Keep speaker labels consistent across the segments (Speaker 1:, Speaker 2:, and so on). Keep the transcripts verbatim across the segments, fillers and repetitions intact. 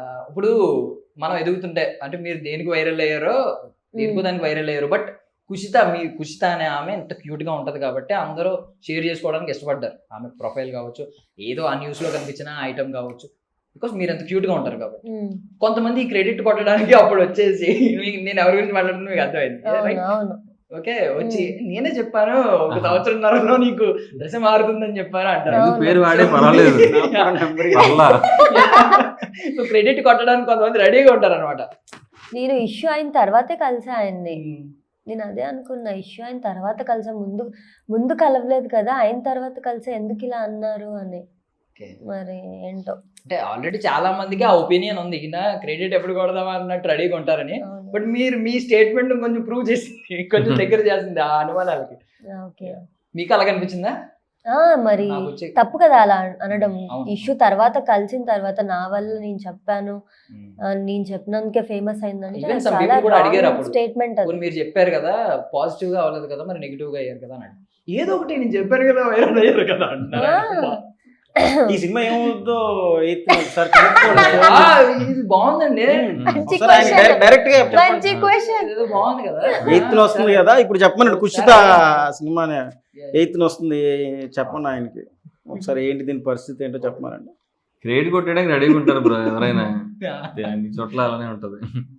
Speaker 1: ఇప్పుడు మనం ఎదుగుతుంటే అంటే మీరు దేనికి వైరల్ అయ్యారో దేనికో దానికి వైరల్ అయ్యారు. బట్ కుషిత మీ కుషిత అనే ఆమె ఎంత క్యూట్ గా ఉంటది కాబట్టి అందరూ షేర్ చేసుకోవడానికి ఇష్టపడ్డారు. ఆమె ప్రొఫైల్ కావచ్చు, ఏదో ఆ న్యూస్ లో కనిపించిన ఐటమ్ కావచ్చు, బికాస్ మీరు ఎంత క్యూట్ గా ఉంటారు కాబట్టి. కొంతమంది క్రెడిట్ కొట్టడానికి అప్పుడు వచ్చేసి నేను ఎవరి గురించి మాట్లాడుతున్నా మీకు అర్థమైంది. ఓకే, వచ్చి నేనే చెప్పాను ఒక సంవత్సరంన్నరలో నీకు దశ మారుతుందని చెప్పాను అంటారు.
Speaker 2: పేరు వాడే పర్వాలేదు.
Speaker 1: సో క్రెడిట్ కొట్టడానికి కొంతమంది రెడీగా ఉంటారు అనమాట.
Speaker 3: నేను ఇష్యూ అయిన తర్వాతే కలిసా ఆయన్ని. నేను అదే అనుకున్నా, ఇష్యూ అయిన తర్వాత కలిసా, ముందు ముందు కలవలేదు కదా, అయిన తర్వాత కలిసా ఎందుకు ఇలా అన్నారు అని. మరి ఏంటో
Speaker 1: అంటే ఆల్రెడీ చాలా మందికి ఆ ఒపీనియన్ ఉంది, ఈయన క్రెడిట్ ఎప్పుడు కొడదామా అన్నట్టు రెడీగా ఉంటారని. బట్ మీరు మీ స్టేట్మెంట్ కొంచెం ప్రూవ్ చేసింది, కొంచెం దగ్గర చేసింది ఆ అనుమానాలకి. మీకు అలా కనిపించిందా?
Speaker 3: మరి తప్పు కదా అలా అనడం. ఇష్యూ తర్వాత కలిసిన తర్వాత నా వల్ల నేను చెప్పాను, నేను చెప్పినందుకే ఫేమస్ అయిందంటే స్టేట్మెంట్.
Speaker 1: మీరు చెప్పారు కదా పాజిటివ్ గా అవ్వలేదు కదా, మరి నెగిటివ్ గా అయ్యారు కదా అన్నాడు. ఏదో ఒకటి నేను చెప్పాను కదా వైరల్ అయ్యారు కదా అంటారు.
Speaker 4: ఈ సినిమా ఏమవుతుందో
Speaker 1: బాగుందండి,
Speaker 4: డైరెక్ట్ గా
Speaker 1: బాగుంది కదా.
Speaker 4: ఎయిత్ లో వస్తుంది కదా ఇప్పుడు చెప్పమన్నాడు. కుషిత సినిమా ఎయిత్ లో వస్తుంది చెప్పండి ఆయనకి ఒకసారి, ఏంటి దీని పరిస్థితి ఏంటో చెప్పమనండి.
Speaker 2: క్రెడిట్ కొట్టడానికి రెడీగా ఉంటారు బ్రో ఎవరైనా, అన్ని చోట్ల అలానే ఉంటది.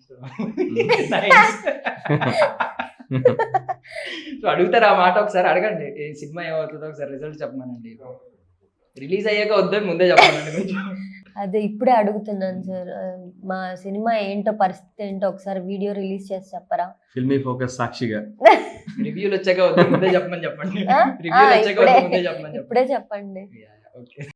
Speaker 1: అడుగుతారు ఆ మాట, ఒకసారి అడగండి ఈ సినిమా ఏమవుతుందో ఒకసారి రిజల్ట్ చెప్పమనండి. రిలీజ్ అయ్యాక వద్దని ముందే చెప్పానండి.
Speaker 3: అదే ఇప్పుడే అడుగుతున్నాను సార్, మా సినిమా ఏంటో పరిస్థితి ఏంటో ఒకసారి వీడియో రిలీజ్ చేసి చెప్పరా.
Speaker 2: ఫిల్మీ ఫోకస్ సాక్షిగా
Speaker 1: రివ్యూలు వచ్చాక వద్దు ముందే చెప్పమని చెప్పండి. రివ్యూలు వచ్చాక ముందే చెప్పమని
Speaker 3: ఇప్పుడే చెప్పండి.
Speaker 1: ఓకే.